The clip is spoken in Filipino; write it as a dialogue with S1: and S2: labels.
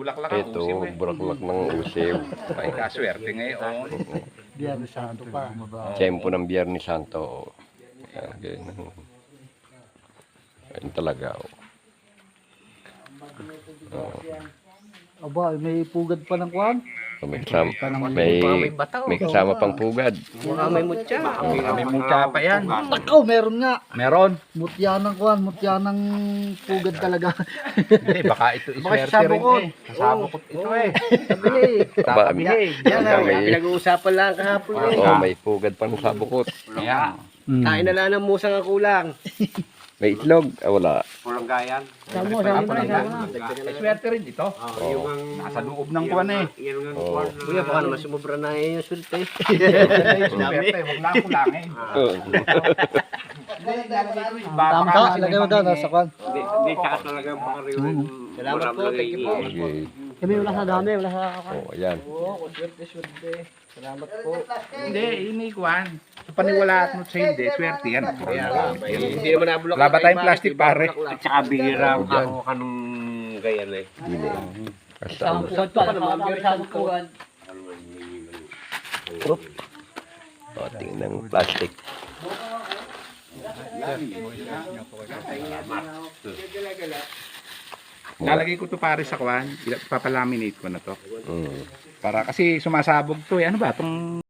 S1: bulaklak ang
S2: Ito,
S1: usiw eh.
S2: bulaklak ng usiw.
S1: Ay, kaswerte ngayon.
S3: Biyernes Santo pa.
S2: Tiyempo ng Biyernes Santo. Ayan, ganyan. Ayun talaga.
S3: Aba, may pugad pa ng kwan.
S2: May kasama, may kasama pang pugad.
S4: Baka may mutya.
S1: Kami mukha pa yan.
S3: Takaw, meron nga.
S1: Meron.
S3: Mutya ng kwan, mutya ng pugad talaga.
S1: Hindi, baka ito iswerte rin eh. Kasabukot ito eh.
S4: Sabi niya eh.
S1: Sabi niya eh.
S4: Yan
S2: Baka
S4: ang
S2: may-
S4: pinag-uusapan lang kahapon eh.
S2: Oo, may pugad pa sa bukot.
S1: Kaya,
S4: Kain na lang ng musang ang kulang.
S2: May itlog. Ah, wala.
S5: Pulang gayan.
S1: iswerte rin ito.
S5: Yung ang...
S1: Nasa loob ng kuwan eh.
S5: Yung ang...
S2: Oo.
S4: Kuya, baka naman sumubra na yung sulte.
S1: Iswerte, huwag lang kulangin.
S2: Oo.
S3: Tama ka, lagay mo daw nasa kwan.
S5: Hindi, tsaka talagang pangariwan.
S4: Salamat po, thank you po.
S2: Sige.
S3: Kami wala sa dami, wala sa kwan.
S2: Oo, ayan.
S4: Oo, swerte. Salamat po.
S1: Hindi, ini kuwan. Sa paniwala at sa hindi, swerte yan.
S4: Hindi naman nabulak.
S1: Wala ba tayong plastic pare?
S5: At tsaka bihira ang ako kanong gayan eh.
S2: Dili. Kasama.
S4: Pa naman, biyernes ko.
S2: O, tingnan ng plastic.
S1: Lalagay ko to pare sa kuwan. Papalaminate ko na to.
S2: Mm.
S1: Para kasi sumasabog to eh. Ano ba? Itong